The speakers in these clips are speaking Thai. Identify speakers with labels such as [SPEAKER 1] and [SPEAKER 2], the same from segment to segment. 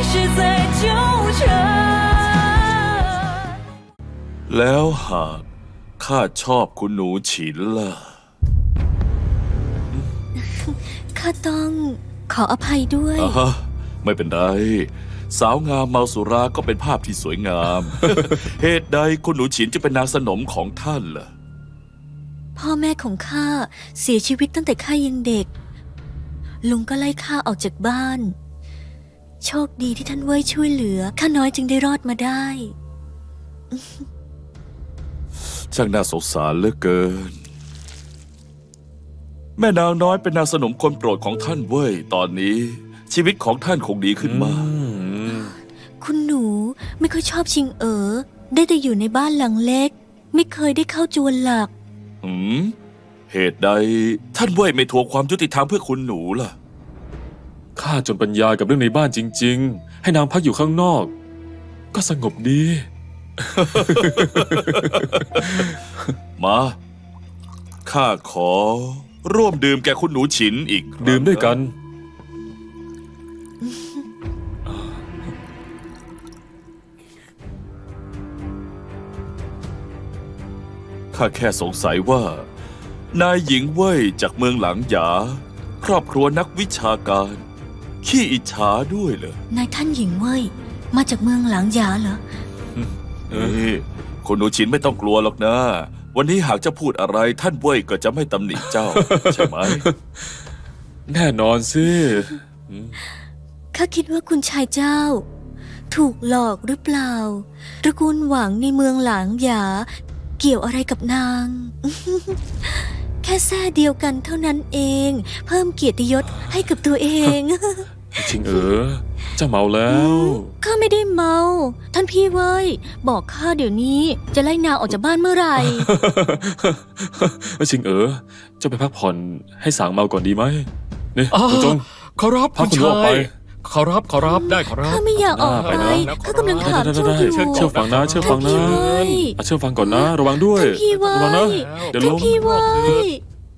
[SPEAKER 1] 是在纠缠。
[SPEAKER 2] แล้วหากข้าชอบคุณหนูฉินล่ะ
[SPEAKER 3] ข้าต้องขออภัยด้วย
[SPEAKER 2] อ่าฮะไม่เป็นไร สาวงามเมาสุราก็เป็นภาพที่สวยงาม เหตุใดคุณหนูฉินจะเป็นนางสนมของท่านล่ะ
[SPEAKER 3] พ่อแม่ของข้าเสียชีวิตตั้งแต่ข้ายังเด็ก ลุงก็ไล่ข้าออกจากบ้าน โชคดีที่ท่านเว่ยช่วยเหลือข้าน้อยจึงได้รอดมาได้
[SPEAKER 2] ช่างน่าสงสารเหลือเกิน แม่นางน้อยเป็นนางสนมคนโปรดของท่านเว้ยตอนนี้ ชีวิตของท่านคงดีขึ้นมาก
[SPEAKER 3] คุณหนูไม่ค่อยชอบชิงได้แต่อยู่ในบ้านหลังเล็ก ไม่เคยได้เข้าจวนหลัก
[SPEAKER 2] เหตุใดท่านเว้ยไม่ทวงความยุติธรรมเพื่อคุณหนูล่ะ
[SPEAKER 4] ข้าจนปัญญากับเรื่องในบ้านจริงๆ ให้นางพักอยู่ข้างนอก ก็สงบดี
[SPEAKER 2] มาข้าขอร่วมดื่มแก่คุณหนูฉินอีกครั้ง
[SPEAKER 4] ดื่มด้วยกัน
[SPEAKER 2] ข้าแค่สงสัยว่า นายหญิงเว่ยจากเมืองหลังหยา ครอบครัวนักวิชาการ ขี้อิจฉาด้วยเหรอน
[SPEAKER 3] ายท่านหญิงเว่ยมาจากเมืองหลางหยาเหรอ
[SPEAKER 2] นี่คุณหนูฉินไม่ต้องกลัวหรอกนะ วันนี้หากจะพูดอะไรท่านเว่ยก็จะไม่ตำหนิเจ้า ใช่ไหม
[SPEAKER 4] แน่นอนสิ
[SPEAKER 3] ข้าคิดว่าคุณชายเจ้า ถูกหลอกหรือเปล่าตระกูลหวังในเมืองหลางหยา เกี่ยวอะไรกับนาง แค่แท้เดียวกันเท่านั้นเอง เพิ่มเกียรติยศให้กับตัวเอง
[SPEAKER 4] ชิงเจ้าเมาแล้ว
[SPEAKER 3] ข้าไม่ได้เมา ท่านพี่เว้ย บอกข้าเดี๋ยวนี้จะไล่นางออกจากบ้านเมื่อไหร่
[SPEAKER 4] ชิงเจ้าไปพักผ่อนให้สางเมาก่อนดีไหมนี่
[SPEAKER 5] อ้า
[SPEAKER 4] คุณจง
[SPEAKER 5] ขอรับ
[SPEAKER 4] พา
[SPEAKER 5] คุณ
[SPEAKER 4] คุณลูก
[SPEAKER 5] ชา
[SPEAKER 4] ไป
[SPEAKER 5] ยขอรับได้ขอรับ
[SPEAKER 3] ข้าไม่อยากออก
[SPEAKER 4] ไป
[SPEAKER 3] ไป
[SPEAKER 4] นะ
[SPEAKER 3] ข้ากำลังถามโชคอยู่
[SPEAKER 4] เชื่อฟังนะเชื่อฟังนะ
[SPEAKER 3] ท่านพี่เว้ย
[SPEAKER 4] เชื่อฟังก่อนนะ ระวังด้วย
[SPEAKER 3] ท่านพี่เว้
[SPEAKER 4] ระวังนะ
[SPEAKER 3] ย
[SPEAKER 4] เดี๋ยว
[SPEAKER 3] ท่า
[SPEAKER 4] ล้
[SPEAKER 3] น
[SPEAKER 4] ม
[SPEAKER 3] พี่เว้ย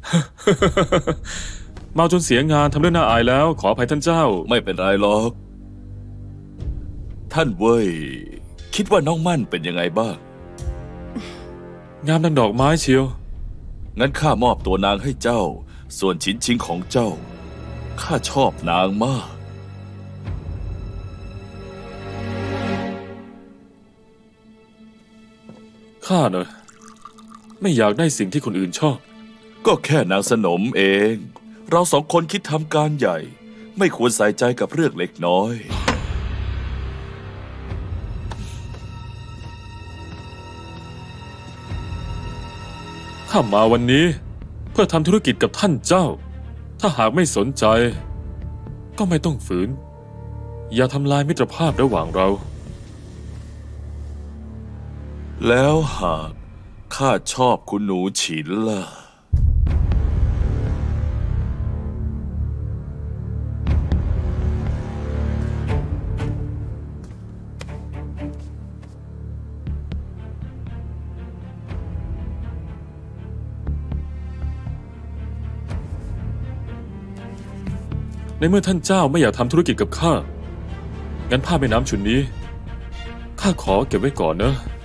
[SPEAKER 4] เมาจนเสียงานทำเรื่องน่าอายแล้ว ขออภัยท่านเจ้า
[SPEAKER 2] ไม่เป็นไรหรอก ท่านเว่ยคิดว่าน้องมั่นเป็นยังไงบ้าง
[SPEAKER 4] งามดังดอกไม้เชียว
[SPEAKER 2] งั้นข้ามอบตัวนางให้เจ้า ส่วนชิ้นชิงของเจ้า ข้าชอบนางมาก
[SPEAKER 4] ข้าเนอะไม่อยากได้สิ่งที่คนอื่นชอบ
[SPEAKER 2] ก็แค่นางสนมเอง เราสองคนคิดทำการใหญ่ ไม่ควรใส่ใจกับเรื่องเล็กน้อย
[SPEAKER 4] ข้ามาวันนี้ เพื่อทำธุรกิจกับท่านเจ้า ถ้าหากไม่สนใจ ก็ไม่ต้องฝืน อย่าทำลายมิตรภาพระหว่างเรา
[SPEAKER 2] แล้วหากข้าชอบคุณหนูฉินล่ะ
[SPEAKER 4] ในเมื่อท่านเจ้าไม่อยากทำธุรกิจกับข้า งั้นผ้าแม่น้ำชุดนี้ ข้าขอเก็บไว้ก่อนเนอะ